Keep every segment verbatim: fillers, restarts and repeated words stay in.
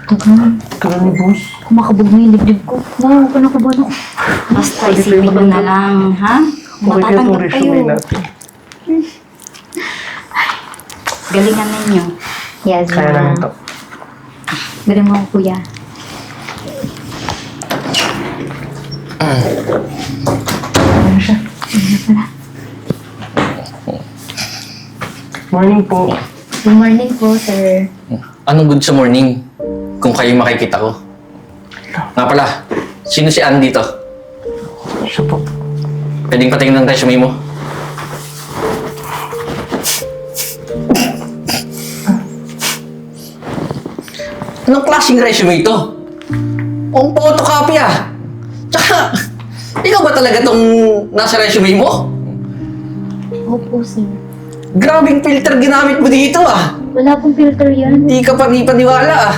Tagal. Tagal ni boss. Kumakabog na yung dibdib ko. Wow, panakabahan ako. Basta isipin mo na lang, ha? Okay kaya itong Matatanggap resume kayo. natin. Galingan ninyo. Yes, Kaya namin to. Galing mo ako, kuya. Ano siya? Morning po. Good morning po, sir. Anong good sa morning? Kung kayo makikita ko. Nga pala, sino si Ann dito? Siya po. Pwedeng patingin ng resume mo? Anong klaseng resume ito? Ang photocopy ah! Tsaka, ikaw ba talaga tong nasa resume mo? Opo, sir. Grabing filter ginamit mo dito ah! Wala pong filter yan. Hindi ka panipaniwala ah!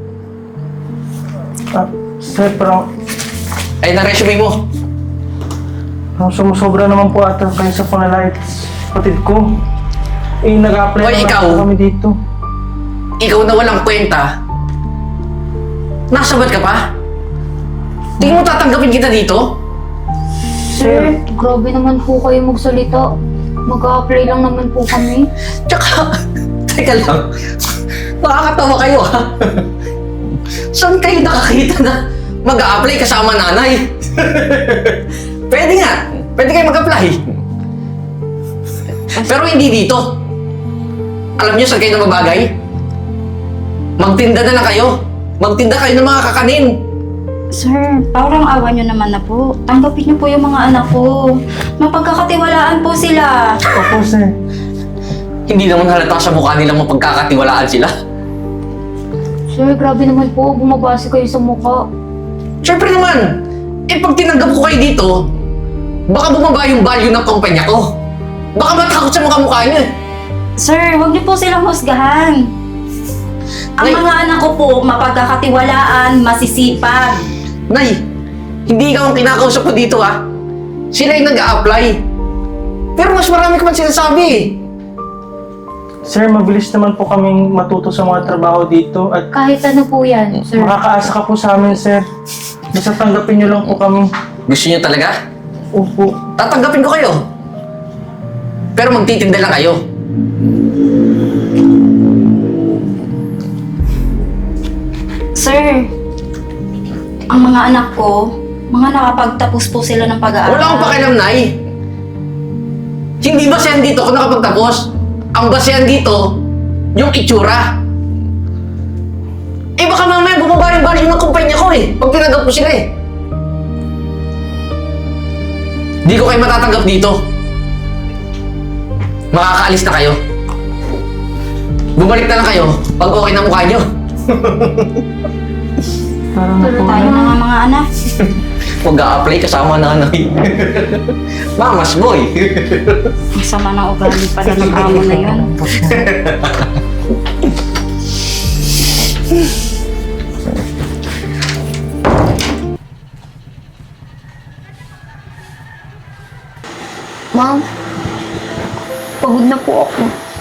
Ah, sir, parang, Ay, na resume mo. parang sumusobra naman po ata kayo sa pangalait kapatid ko. Eh, nag-apply Hoy, naman ikaw! po kami dito. Ikaw na walang kwenta, nasabat ka pa? Tingin mo tatanggapin kita dito? Sir, grabe naman po kayo magsalita. Mag-a-apply lang naman po kami. Tsaka, teka lang, nakakatawa kayo ha? Saan kayo nakakita na mag-a-apply kasama nanay? Pwede nga, pwede kayo mag-apply. Pero hindi dito. Alam niyo saan kayo na mabagay? Magtinda na lang kayo. Magtinda kayo ng mga kakanin. Sir, parang awa nyo naman na po. Tanggapin nyo po yung mga anak ko. Mapagkakatiwalaan po sila. Opo, sir. Hindi naman halata sa mukha nilang mapagkakatiwalaan sila. Sir, grabe naman po. Bumabase kayo sa mukha. Siyempre naman, eh pag tinanggap ko kayo dito, baka bumaba yung value ng kumpanya ko. Baka matakot sa mga mukha niyo eh. Sir, huwag nyo po silang husgahan. Ang Nay. mga anak ko po, mapagkakatiwalaan, masisipag. Nay, hindi ikaw ang kinakausap ko dito ha. Sila yung nag-a-apply. Pero mas marami ka man sinasabi eh. Sir, mabilis naman po kaming matuto sa mga trabaho dito at Kahit ano po yan, sir. makakaasa ka po sa amin, sir. Basta tanggapin niyo lang po kami. Gusto niyo talaga? Opo. Tatanggapin ko kayo. Pero magtitinda lang kayo. Sir, ang mga anak ko, mga nakapagtapos po sila ng pag-aaral. Wala akong pakialam, Nay. Hindi basehan dito kung nakapagtapos. Ang basehan dito, yung itsura. Eh baka mamaya bumaba yung value ng kumpanya ko eh. Pag tinanggap ko sila eh. Di ko kayo matatanggap dito. Makakaalis na kayo. Bumalik na lang kayo pag okay na mukha nyo. Parang Tuloy po. tayo na nga mga anak. Mag-a-apply kasama nanay. Mamas boy. Ang sama ng ugali pala ng amo na yun. Ma'am, pagod na po ako.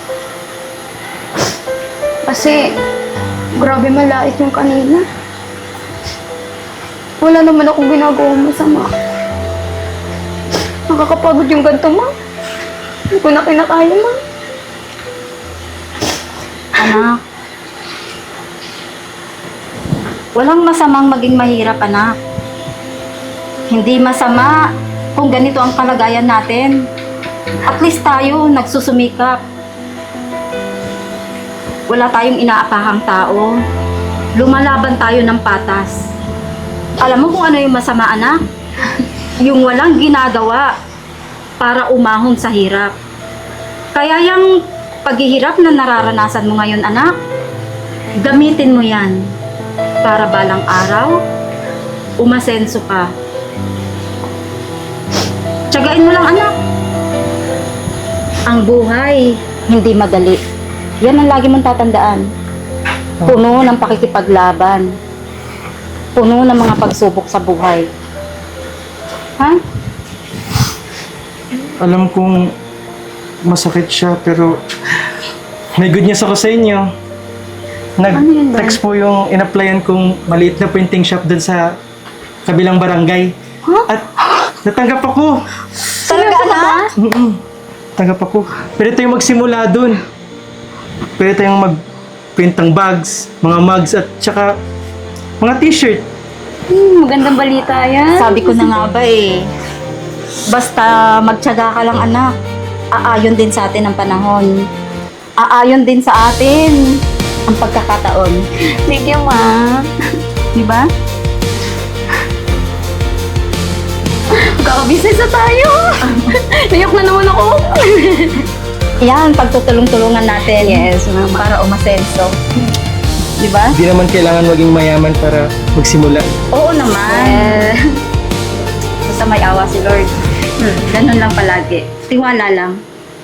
Kasi, grabe malait yung kanina. Wala naman akong ginagawang masama. Nakakapagod yung ganito, ma'am. Hindi ko na kinakaya, ma'am. Anak, walang masamang maging mahirap, anak. Hindi masama kung ganito ang kalagayan natin. At least tayo nagsusumikap. Wala tayong inaapahang tao. Lumalaban tayo ng patas. Alam mo kung ano yung masama, anak? Yung walang ginagawa para umahon sa hirap. Kaya yung paghihirap na nararanasan mo ngayon, anak, gamitin mo yan para balang araw, umasenso ka. Tiyagain mo lang, anak. Ang buhay, hindi madali. Yan ang lagi mong tatandaan. Puno ng pakikipaglaban. Puno ng mga pagsubok sa buhay. Ha? Alam kong masakit siya, pero may good news ako sa inyo. Ano yun, Bal? Nag-text po yung in-applyan kong maliit na printing shop dun sa kabilang barangay. At natanggap ako. Talaga, anak? Mm-mm. Tanggap ako. Pwede tayong magsimula dun. Pwede tayong mag-print ng bags, mga mugs, at saka mga t-shirt. Hmm, magandang balita yan. Sabi ko na nga ba eh. Basta magtiyaga ka lang, anak. Aayon din sa atin ang panahon. Aayon din sa atin ang pagkakataon. Thank you, ma. Di ba? Magkakabusiness na tayo. Nayak na naman ako. Yan, pagtutulong-tulungan natin. Yes, mama. Para umasenso. Di ba? Hindi naman kailangan maging mayaman para magsimula. Oo naman. Eh, Basta may awa si Lord. Hmm, ganun lang palagi. Tiwala lang.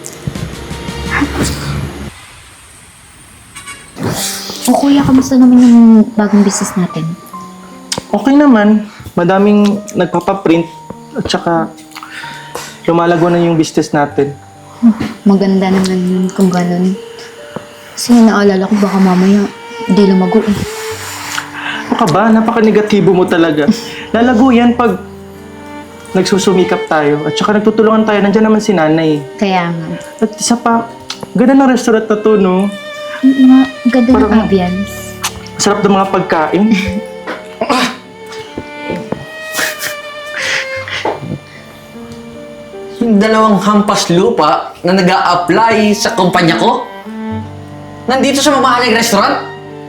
o kuya, kamusta naman yung bagong business natin? Okay naman. Madaming nagpapaprint at saka lumalago na yung business natin. Maganda naman yun kung ganun. Kasi naalala ko baka mamaya di lumago eh. Ano ka ba? Napaka-negatibo mo talaga. Lalago yan pag nagsusumikap tayo at saka nagtutulungan tayo. Nandiyan naman si nanay. Kaya nga. At isa pa, ganda ng restaurant na to, no? Oo nga, ganda ng Parang- ambience. Sarap ng mga pagkain. Yung dalawang hampas lupa na nag apply sa kumpanya ko? Nandito sa mamahaling restaurant?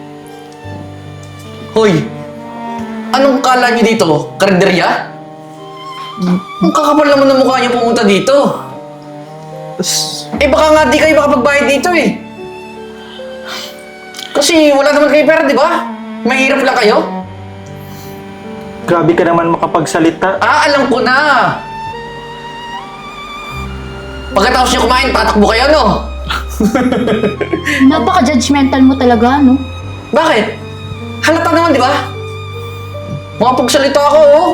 Hoy! Anong kala niyo dito? Karinderya? Ang kakapal naman ng mukha niyo pumunta dito. Tas, Eh baka nga di kayo makapagbayad dito eh. Kasi wala naman kayo pera, di ba? Mahirap lang kayo. grabe ka naman makapagsalita. Ah, alam ko na! Pagkatapos niyo kumain, tatakbo kayo, no? Napaka-judgmental mo talaga, no? Bakit? Halata naman, di ba? Makapagsalita ako, oh.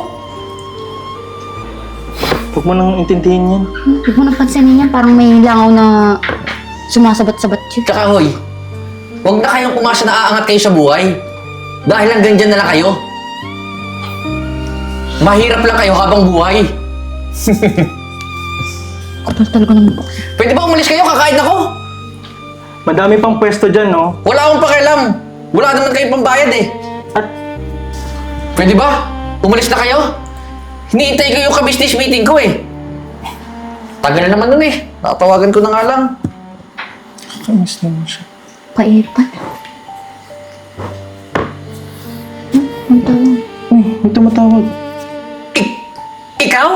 Huwag mo nang intindihin yan. Huwag mo nang pansinin yan, parang may langaw na sumasabat-sabat yun. Tsaka, hoy, huwag na kayong umasa na aangat kayo sa buhay. Dahil hanggang dyan na lang kayo. Mahirap lang kayo habang buhay. Kapal talaga ng mukha. Pwede ba umalis kayo? Kakain ako. Madami pang pwesto dyan, no? Wala akong pakialam. Wala naman kayong pambayad eh. At Pwede ba? Umalis na kayo? Hinihintay ko yung ka-business meeting ko eh. Tagal na naman nun eh. Tatawagan ko na nga lang. kainis naman siya. Paipan. Hmm, ang tawag. Uy, may tumatawag. I- ikaw?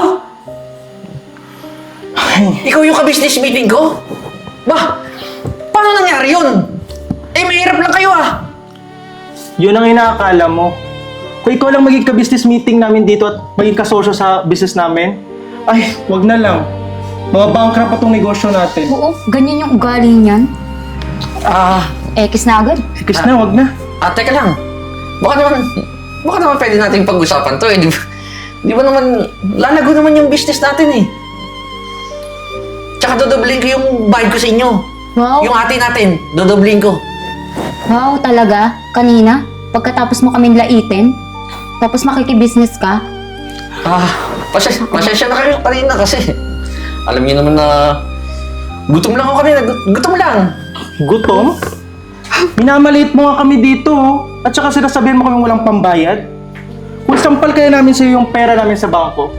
Ay, Ikaw yung ka-business meeting ko? Ba, paano nangyari yun? Eh, mahirap lang kayo ah. yun ang inaakala mo. Kung ikaw lang maging ka-business meeting namin dito at maging kasosyo sa business namin, ay, wag na lang. Mga bankrupt pa tong negosyo natin. Oo, ganyan yung ugali niyan. Ah, Ekis na agad. Ikis na, wag na. ah, teka lang. Baka naman, baka naman pwede nating pag-usapan to eh. Di ba, di ba naman, lalago naman yung business natin eh. Tsaka dodoblin ko yung bayad ko sa inyo. Wow. Yung ate natin, dodoblin ko. Wow, talaga? Kanina? Pagkatapos mo kaming laitin? Tapos makikibusiness ka? Ah, pasensya, pasensya na kayo kanina kasi alam niyo naman na gutom lang ako kanina. Gu- Gutom lang. Gutom? Minamaliit mo nga kami dito, oh. At saka sinasabihin mo kami walang pambayad. Kung sampal kaya namin sa'yo yung pera namin sa bangko.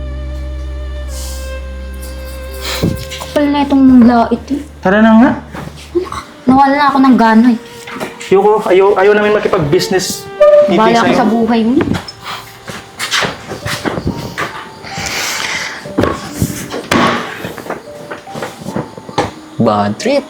Kapal na itong lait eh. Tara na nga. Nawala na ako ng gana eh. Ayoko, ayaw, ayaw namin makipag-business meeting Bala ko sa'yo. sa buhay mo. Bad trip.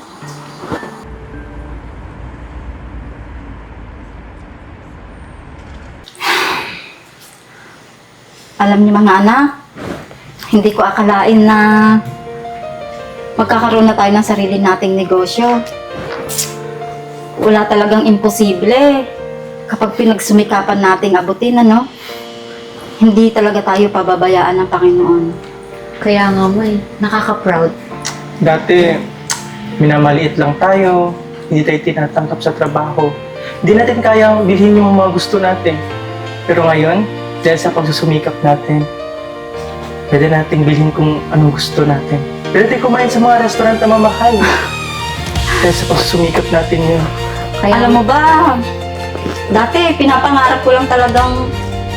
Alam niyo mga anak, hindi ko akalain na magkakaroon na tayo ng sarili nating negosyo. Wala talagang imposible kapag pinagsumikapan nating abutin, ano? Hindi talaga tayo pababayaan ng Panginoon. Kaya nga mo eh, nakaka-proud. Dati, minamaliit lang tayo. hindi tayo tinatanggap sa trabaho. Hindi natin kayang bilhin yung mga gusto natin. Pero ngayon, dahil sa pagsusumikap natin, pwede natin bilhin kung anong gusto natin. Pwede tayo kumain sa mga restaurant na mamahal. Dahil sa pagsusumikap natin yun. Kaya, Alam mo ba, dati pinapangarap ko lang talagang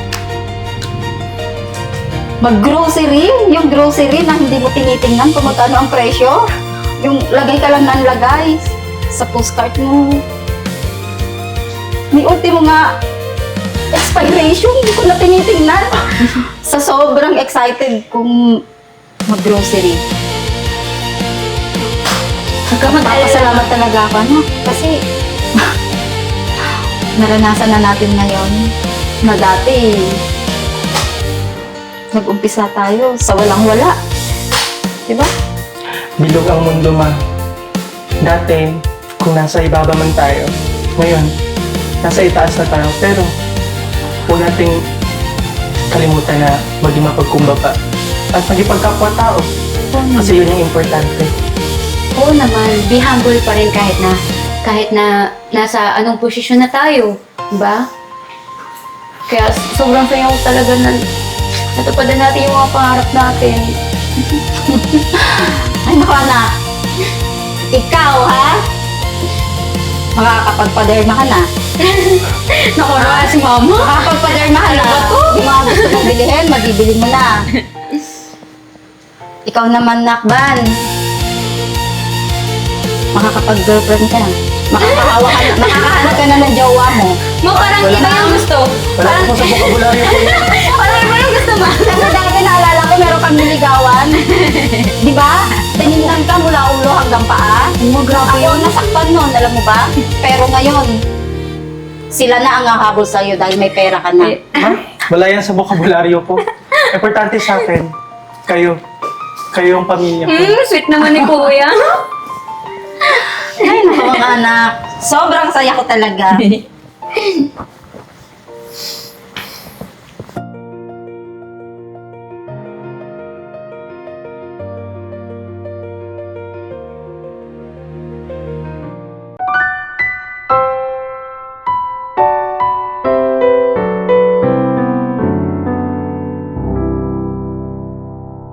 mag-grocery. Yung grocery na hindi mo tinitingnan kung magkano ang presyo. Yung lagay ka lang ng lagay sa postcard mo. May ultimo nga expiration, hindi ko na tinitingnan. Sa sobrang excited kung mag-grocery. Magpapasalamat talaga ako, no? Kasi naranasan na natin ngayon na dati nag-umpisa tayo sa walang-wala. Diba? Bilog ang mundo, ma. Dati, kung nasa ibaba man tayo, ngayon, nasa itaas na tayo. Pero, huwag nating kalimutan na maging mapagkumbaba at maging pagkapwa-tao. Kasi yun yung importante. oo naman, be humble pa rin kahit na, kahit na nasa anong posisyon na tayo. Diba? Kaya sobrang saya ko talaga na natupadan natin yung mga pangarap natin. Ay, naku anak. Ikaw, ha? Makakapagpaderma ka na. Naku, na si mama. Makakapagpaderma ka na. Yung mga gusto mong bilihin, mabibili mo na. Ikaw naman, Nakban. Makakapag-girlfriend ka na. Makakahawa ka na. Makakahanap ka na ng jowa mo. Ma, parang Wala. iba yung gusto. Wala ko sa bokabularyo ko yun. Parang iba yung gusto mo. Kasi dati naalala ko, meron kang niligawan. Di ba? Tinignan ka mula ulo hanggang paa. Oh, grabe Ako nasaktan nun, alam mo ba? Pero ngayon, sila na ang hahabol sa'yo dahil may pera ka na. Ma, wala yan sa bokabularyo ko. Importante sa akin, kayo. Kayo yung pamilya ko. Hmm, sweet naman ni Kuya. Ay, naku mga anak. Sobrang saya ko talaga.